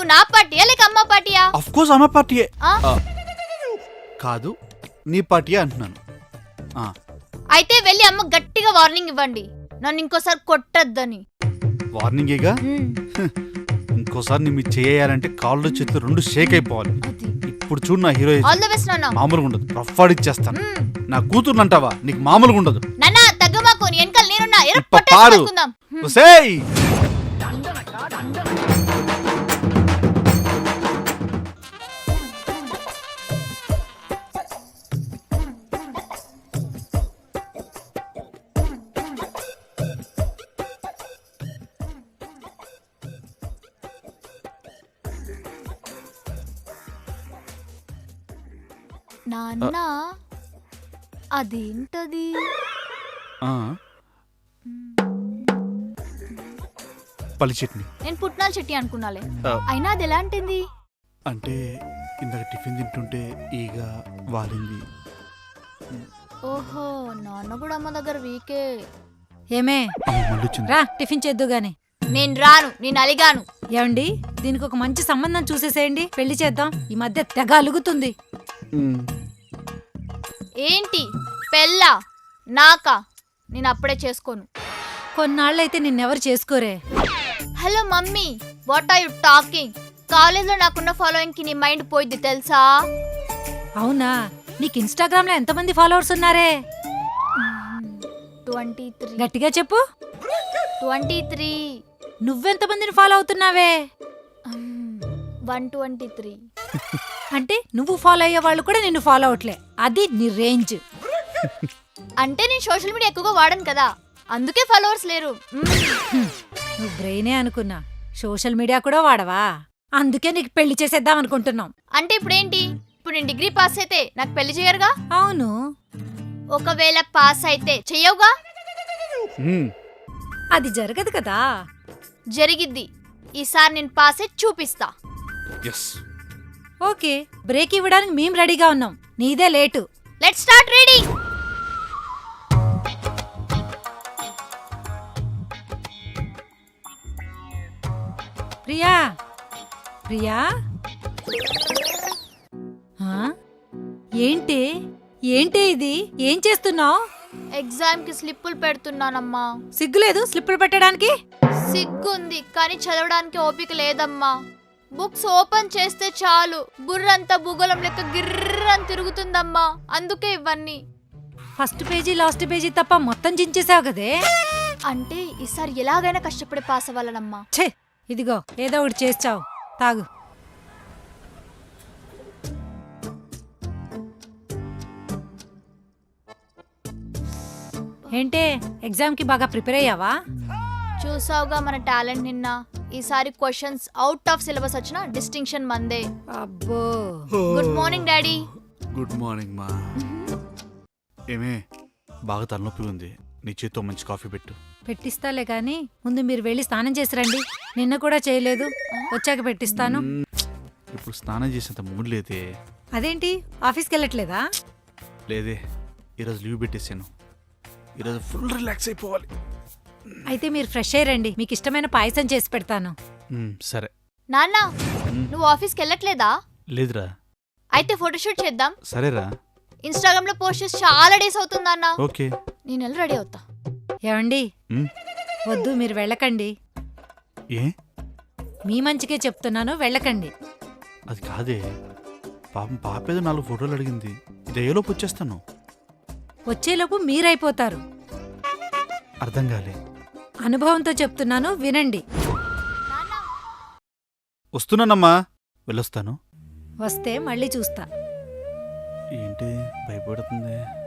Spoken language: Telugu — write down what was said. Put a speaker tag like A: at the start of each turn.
A: నువ్వు నా పార్టీయా లేక అమ్మ పార్టీయా?
B: ఆఫ్ కోర్స్ అమ్మ పార్టీయే.
A: ఆ?
B: కాదు నీ పార్టీయే అంటున్నాను.
A: అయితే వెళ్ళి అమ్మ గట్టిగా వార్నింగ్ ఇవ్వండి, నన్ను ఇంకోసారి కొట్టద్దని.
B: వార్నింగేగా. ఇంకోసారి నీ మీద చేయాలంటే కాళ్ళు చేతులు రెండు షేక్ అయిపోవాలి. ఇప్పుడు చూడు నా హీరో
A: ఆల్ ది బెస్ట్ నాన్న.
B: మామూలుగా ఉండదు, రఫ్ ఆడిచ్చేస్తాను. నా కూతురు అంటావా, నీకు మామూలుగా ఉండదు.
A: నాన్న తగ్గమాకు, నీ వెనకాల నేనున్నా.
B: పాడు. ఒసేయ్
A: నాన్న అదేంటది?
B: పల్లి చట్నీ.
A: నేను పుట్నాల చెట్టి అనుకున్నాలే, అయినా అది ఎలాంటిది?
B: అంటే ఇందాక టిఫిన్ తింటుంటే ఈగ వాలింది.
A: ఓహో, నాన్న కూడా అమ్మ దగ్గర వీకే.
C: ఏమే రా టిఫిన్ చేద్దు గాని.
A: నేను రాను, నేను అలిగాను.
C: ఏమండి, దీనికి ఒక మంచి సంబంధం చూసేసేయండి, పెళ్లి చేద్దాం. ఈ మధ్య తెగ అలుగుతుంది.
A: ఏంటి పెళ్ళా? నాకా? నేను అప్పుడే చేసుకోను.
C: కొన్నాళ్ళైతే నిన్నెవరు చేసుకోరే.
A: Hello mummy, what are you talking? కాలేజ్లో నాకున్న ఫాలోయింగ్ కి నీ మైండ్ పోయిద్ది తెలుసా?
C: అవునా? నీకు ఇన్స్టాగ్రామ్ లో ఎంతమంది ఫాలోవర్స్ ఉన్నారే?
A: 23.
C: గట్టిగా చెప్పు.
A: 23.
C: నువ్వెంతమందిని ఫాలో అవుతున్నావే?
A: 123.
C: అంటే నువ్వు ఫాలో అయ్యే వాళ్ళు కూడా నిన్ను ఫాలో అవట్లే, అది నీ రేంజ్.
A: అంటే నేను సోషల్ మీడియా ఎక్కువగా వాడను కదా, అందుకే ఫాలోవర్స్ లేరు.
C: నువ్వు బ్రెయినే అనుకున్నా, సోషల్ మీడియా కూడా వాడవా? అందుకే నీకు పెళ్లి చేసేద్దాం అనుకుంటున్నాం.
A: అంటే ఇప్పుడేంటి? ఇప్పుడు నేను డిగ్రీ పాస్ అయితే నాకు పెళ్లి చేయరుగా?
C: అవును.
A: ఒకవేళ పాస్ అయితే చెయ్యవుగా?
C: అది జరగదు కదా.
A: జరిగిద్ది. ఈసారి నేను పాస్ అయి చూపిస్తా.
C: ఓకే, బ్రేక్ ఇవ్వడానికి మేము రెడీగా ఉన్నాం, నీదే late.
A: Let's start reading.
C: Priya, Priya, ఏంటి ఏంటి ఇది? ఏం చేస్తున్నావు?
A: ఎగ్జామ్ కి స్లిప్పులు పెడుతున్నానమ్మా.
C: సిగ్గులేదు స్లిప్పులు పెట్టడానికి?
A: సిగ్గుంది కానీ చదవడానికి ఓపిక లేదమ్మా. బుక్స్ ఓపెన్ చేస్తే చాలు బుర్రంతా భూగోళం లెక్క గిర్రని తిరుగుతుందమ్మా, అందుకే ఇవన్నీ.
C: ఫస్ట్ పేజీ లాస్ట్ పేజీ తప్ప మొత్తం చించేసావు కదే.
A: అంటే ఈసారి ఎలాగైనా కష్టపడి పాస్ అవ్వాలనమ్మా.
C: ఛే, ఇదిగో ఏదో ఒకటి చేస్తావు, తాగు. ఏంటే, ఎగ్జామ్ కి బాగా ప్రిపేర్ అయ్యావా?
A: చూసావుగా మన టాలెంట్ నిన్న. ఈసారి క్వశ్చన్స్ అవుట్ ఆఫ్ సిలబస్ వచ్చిన డిస్టింక్షన్ మందే.
C: అబ్బో.
A: Good morning daddy.
B: Good morning మా. ఏమే, బాగా తలనొప్పి ఉంది, నీ చేత్తో మంచి కాఫీ పెట్టు.
C: పెట్టిస్తాలే కానీ ముందు మీరు వెళ్ళి స్నానం చేసి రండి. నిన్న కూడా చేయలేదు, వచ్చాక పెట్టిస్తాను.
B: ఇప్పుడు స్నానం చేసేంత మూడ్ లేదే.
C: అదేంటి, ఆఫీస్కి వెళ్ళట్లేదా?
B: లేదే, ఈరోజు లీవ్ పెట్టేసాను. ఈరోజు ఫుల్ రిలాక్స్ అయిపోవాలి.
C: అయితే మీరు ఫ్రెష్ అయ్యండి, మీకు ఇష్టమైన పాయసం చేసి పెడతాను.
B: సరే.
A: నాన్న, నువ్వు ఆఫీస్కి వెళ్ళట్లేదా?
B: లేదురా.
A: అయితే ఫోటోషూట్ చేద్దాం.
B: సరేరా.
A: ఇన్స్టాగ్రామ్ లో పోస్ట్ చేసి చాలా డేస్ అవుతుందన్న.
B: ఓకే,
A: నేను వెళ్ళి రెడీ అవుతా.
C: ఏమండి, వద్దు, మీరు వెళ్ళకండి.
B: ఏ?
C: మీ మంచికే చెప్తున్నాను, వెళ్ళకండి.
B: అది కాదే, పాపం పాపేదో 4 ఫోటోలు అడిగింది, ఇదేలోపు వచ్చేస్తాను.
C: వచ్చేలోపు మీరైపోతారు.
B: అర్థం కాలే.
C: అనుభవంతో చెప్తున్నాను, వినండి.
B: వస్తున్నానమ్మా, వెళ్ళొస్తాను.
C: వస్తే మళ్ళీ చూస్తా.
B: ఏంటి భయపడుతుంది?